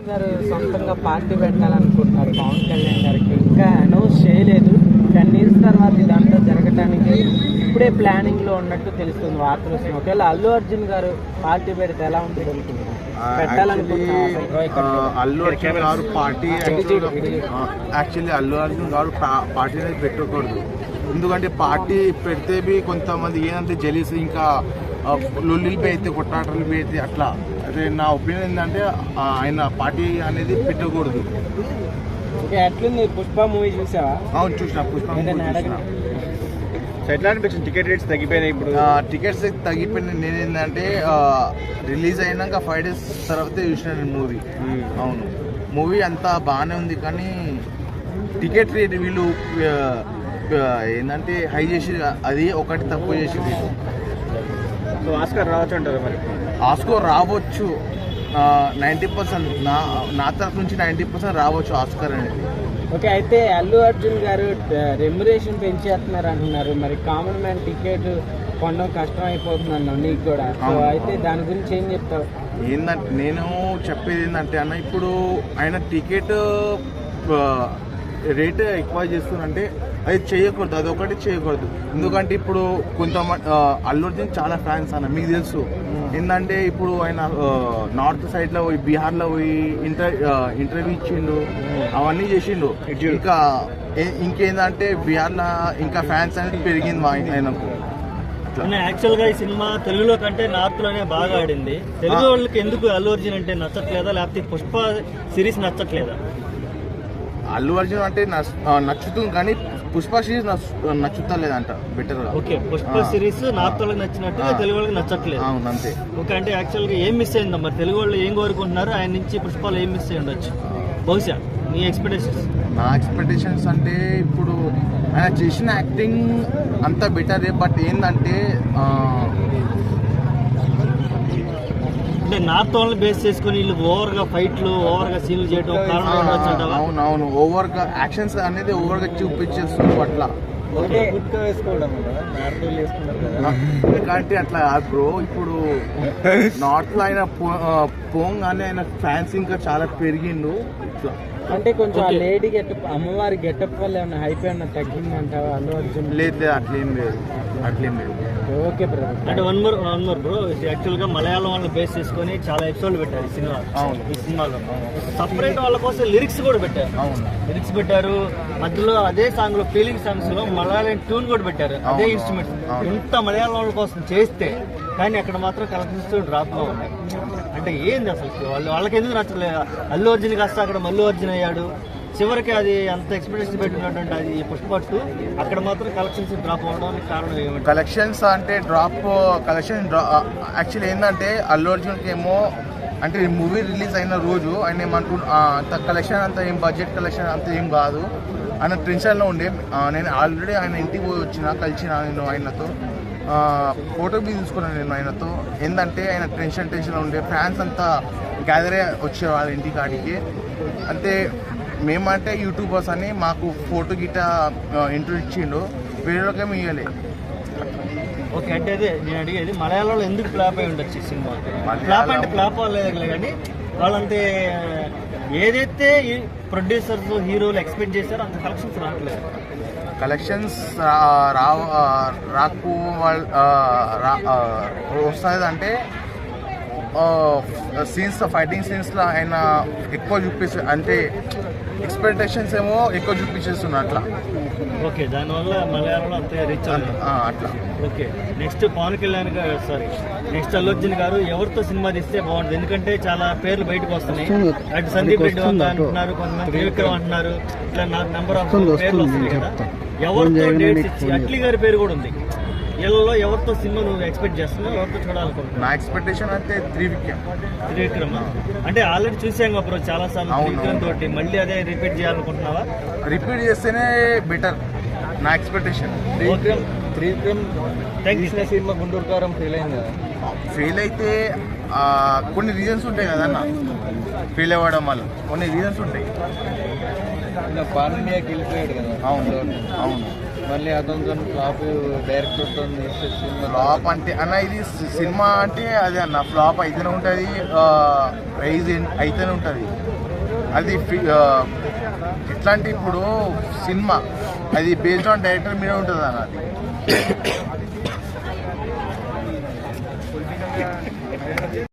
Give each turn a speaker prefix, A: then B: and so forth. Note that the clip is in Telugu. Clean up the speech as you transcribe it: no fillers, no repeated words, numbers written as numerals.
A: గారు సొంతంగా పార్టీ పెట్టాలనుకుంటున్నారు పవన్ కళ్యాణ్ గారికి. ఇంకా అనౌన్స్ చేయలేదు. 10 years తర్వాత ఇదంతా జరగడానికి ఇప్పుడే ప్లానింగ్ లో ఉన్నట్టు తెలుస్తుంది, వార్తలు వస్తున్నాయి. ఒకవేళ అల్లు అర్జున్ గారు పార్టీ పెడితే ఎలా ఉంటుంది అనుకుంటున్నారు?
B: అల్లు అర్జున్ గారు పార్టీ యాక్చువల్లీ అల్లు అర్జున్ గారు పార్టీ అనేది పెట్టకూడదు. ఎందుకంటే పార్టీ పెడితే కొంతమంది ఏంటంటే జెలీస్ ఇంకా లొల్లిలు అయితే కొట్టాటలు అయితే అట్లా. అదే నా ఒపీనియన్ ఏంటంటే ఆయన పార్టీ అనేది పెట్టకూడదు.
A: అట్లుంది. పుష్ప మూవీ చూసావా?
B: అవును చూసిన. పుష్ప
C: ఎట్లా అనిపించింది? టికెట్ రేట్స్ తగ్గిపోయినాయి. ఇప్పుడు
B: టికెట్స్ తగ్గిపోయినాయి. నేను ఏంటంటే రిలీజ్ అయినాక 5 days తర్వాత చూసిన నేను మూవీ. అవును, మూవీ అంతా బాగానే ఉంది కానీ టికెట్ రేట్ వీళ్ళు ఏంటంటే హై చేసి అది ఒకటి తక్కువ చేసింది.
C: సో ఆస్కార్ రావచ్చు అంటారు. మరి
B: ఆస్కార్ రావచ్చు 90%. నా తరఫు నుంచి 90% రావచ్చు ఆస్కార్ అనేది.
A: ఓకే, అయితే అల్లు అర్జున్ గారు రెమ్యురేషన్ పెంచేస్తున్నారు అంటున్నారు. మరి కామన్ మ్యాన్ టికెట్ కొనడం కష్టం అయిపోతుంది అన్నావు నీకు కూడా. సో అయితే దాని గురించి ఏం చెప్తావు?
B: ఏంటంటే నేను చెప్పేది ఏంటంటే అన్న, ఇప్పుడు ఆయన టికెట్ రేట్ ఎక్కువ చేస్తున్నారంటే అది చేయకూడదు, అదొకటి చేయకూడదు. ఎందుకంటే ఇప్పుడు కొంతమంది అల్లు అర్జున్ చాలా ఫ్యాన్స్ అన్న, మీకు తెలుసు. ఏంటంటే ఇప్పుడు ఆయన నార్త్ సైడ్లో పోయి బీహార్లో పోయి ఇంటర్వ్యూ ఇచ్చిండు, అవన్నీ చేసిండు. ఇంకా ఇంకేందంటే బీహార్లో ఇంకా ఫ్యాన్స్ అనేది పెరిగింది ఆయనకు.
D: యాక్చువల్గా ఈ సినిమా తెలుగులో కంటే నార్త్ లోనే బాగా ఆడింది. తెలుగు వాళ్ళకి ఎందుకు అల్లు అర్జున్ అంటే నచ్చట్లేదా, లేకపోతే పుష్ప సిరీస్ నచ్చట్లేదా?
B: అల్లు అర్జున్ అంటే నచ్చుతుంది కానీ పుష్ప సిరీస్ నచ్చుతలేదంట బెటర్ గా.
D: ఓకే, పుష్ప సిరీస్ నార్త్ వాళ్ళకి నచ్చినట్టు తెలుగు వాళ్ళకి నచ్చట్లేదు.
B: అవును అంతే.
D: ఓకే, అంటే యాక్చువల్గా ఏం మిస్ అయిందా మరి? తెలుగు వాళ్ళు ఏం కోరుకుంటున్నారు ఆయన నుంచి? పుష్పలో ఏం మిస్ అయ్యి ఉండొచ్చు బహుశా నీ ఎక్స్పెక్టేషన్స్?
B: నా ఎక్స్పెక్టేషన్స్ అంటే ఇప్పుడు ఆయన చేసిన యాక్టింగ్ అంతా బెటరే. బట్ ఏంటంటే
D: నార్త్ వాళ్ళని బేస్ చేసుకుని వీళ్ళు ఓవర్ గా ఫైట్లు, ఓవర్ గా సీన్లు చేయడం కారణం ఉండొచ్చు.
B: అవునవును, ఓవర్ గా యాక్షన్స్ అనేది ఓవర్ గా చూపించేస్తుంది అట్లా. ఎందుకంటే అట్లా బ్రో, ఇప్పుడు నార్త్ లో ఆయన పోంగానే ఆయన ఫ్యాన్స్ ఇంకా చాలా పెరిగిండు. ఇట్లా
A: అంటే కొంచెం లేడీ గెటప్, అమ్మవారి గెటప్ వల్ల ఏమన్నా హైప్ ఏమన్నా తగ్గిందంటావా అల్లు అర్జున్?
B: లేదు, అట్లేం లేదు.
A: Okay brother.
D: అంటే వన్ మోర్ బ్రో, యాక్చువల్ గా మలయాళం వాళ్ళని బేస్ చేసుకుని చాలా ఎపిసోడ్లు పెట్టారు ఈ సినిమా. ఈ సినిమాలో సపరేట్ వాళ్ళ కోసం లిరిక్స్ కూడా పెట్టారు. లిరిక్స్ పెట్టారు, మధ్యలో అదే సాంగ్ లో ఫీలింగ్ సాంగ్స్ లో మలయాళం ట్యూన్ కూడా పెట్టారు, అదే ఇన్స్ట్రుమెంట్స్. ఇంత మలయాళం వాళ్ళ కోసం చేస్తే కానీ అక్కడ మాత్రం కలెక్షన్స్ డ్రాప్ గా ఉన్నాయి. అంటే ఏంది అసలు వాళ్ళకి ఎందుకు నచ్చలేదు? అల్లు అర్జున్ కాస్త అక్కడ మల్లు అర్జున్ అయ్యాడు. చివరికి అది అంత ఎక్స్పెక్టేషన్ పెట్టినటువంటి అది పుష్ప 2 అక్కడ మాత్రం కలెక్షన్స్ డ్రాప్ అవడానికి కారణం ఏమిటి?
B: కలెక్షన్స్ అంటే యాక్చువల్లీ ఏంటంటే అల్లు అర్జున్కి ఏమో అంటే మూవీ రిలీజ్ అయిన రోజు ఆయన అంత కలెక్షన్ అంత ఏం బడ్జెట్ కలెక్షన్ అంత ఏం కాదు. ఆయన టెన్షన్లో ఉండే. నేను ఆల్రెడీ ఆయన ఇంటికి పోయి కలిసిన నేను ఆయనతో ఫోటో తీసుకున్నాను నేను ఆయనతో. ఏంటంటే ఆయన టెన్షన్ ఉండే. ఫ్యాన్స్ అంతా గ్యాదర్ వచ్చే వాళ్ళ ఇంటి కాడికి. అంటే మేమంటే యూట్యూబర్స్ అని మాకు ఫోటో గిట్ట ఇంటర్వ్యూ ఇచ్చిండు, వేరేకేమో ఇవ్వలే.
D: ఓకే, అంటే అదే నేను అడిగేది, మలయాళంలో ఎందుకు ఫ్లాప్ అయి ఉండొచ్చు ఈ సినిమా? ఫ్లాప్ అంటే ఫ్లాప్ అవ్వలేదు కానీ వాళ్ళంతే ఏదైతే ప్రొడ్యూసర్స్ హీరోలు ఎక్స్పెక్ట్ చేశారో అంత కలెక్షన్స్ రావట్లేదు.
B: కలెక్షన్స్ రాకు వస్తుంది అంటే ఫైటింగ్ సీన్స్లో ఆయన ఎక్కువ చూపిస్తారు. అంటే ఎక్స్పెక్టేషన్స్ ఏమో ఎక్కువ చూపించేస్తున్నారు అట్లా.
D: ఓకే, దానివల్ల మలయాళంలో అంతే రీచ్
B: అట్లా.
D: ఓకే, నెక్స్ట్ పవన్ కళ్యాణ్ గారు, నెక్స్ట్ అల్లు అర్జున్ గారు ఎవరితో సినిమా తీస్తే బాగుంటుంది? ఎందుకంటే చాలా పేర్లు బయటకు వస్తున్నాయి. అటు సందీప్ రెడ్డి అంటున్నారు, కొంతమంది త్రివిక్రమ్ అంటున్నారు, ఇట్లా నెంబర్ ఆఫ్ పేర్లు వస్తున్నాయి కదా. ఎవరితో డేట్స్ ఇచ్చి అట్లీ గారి పేరు కూడా ఉంది. వీళ్ళలో ఎవరితో సినిమా నువ్వు ఎక్స్పెక్ట్ చేస్తున్నావు, ఎవరితో చూడాలనుకుంటున్నావు?
B: నా ఎక్స్పెక్టేషన్ అయితే
D: త్రివిక్రమ్. అంటే ఆల్రెడీ చూసాం అప్పుడు చాలా సార్లు త్రివిక్రమ్ తోటి, మళ్ళీ అదే రిపీట్ చేయాలనుకుంటున్నావా?
B: రిపీట్ చేస్తేనే బెటర్ నా expectation.
A: Trivikram cinema Guntur Kaaram fail అయింది కదా.
B: ఫెయిల్ అయితే కొన్ని రీజన్స్ ఉంటాయి కదన్న. ఫెయిల్ అవ్వడం వల్ల కొన్ని రీజన్స్ ఉంటాయి.
A: పాన్ ఇండియాకి వెళ్ళిపోయాడు కదా.
B: అవును.
C: మళ్ళీ అతనితో ఫ్లాప్ డైరెక్టర్తో
B: ఫ్లాప్ అంటే అన్న ఇది సినిమా అంటే అది అన్న ఫ్లాప్ అయితేనే ఉంటుంది, రైజ్ అయితేనే ఉంటుంది. అది ఎట్లా అంటే ఇప్పుడు సినిమా అది బేస్డ్ ఆన్ డైరెక్టర్ మీద ఉంటుంది అన్న. అది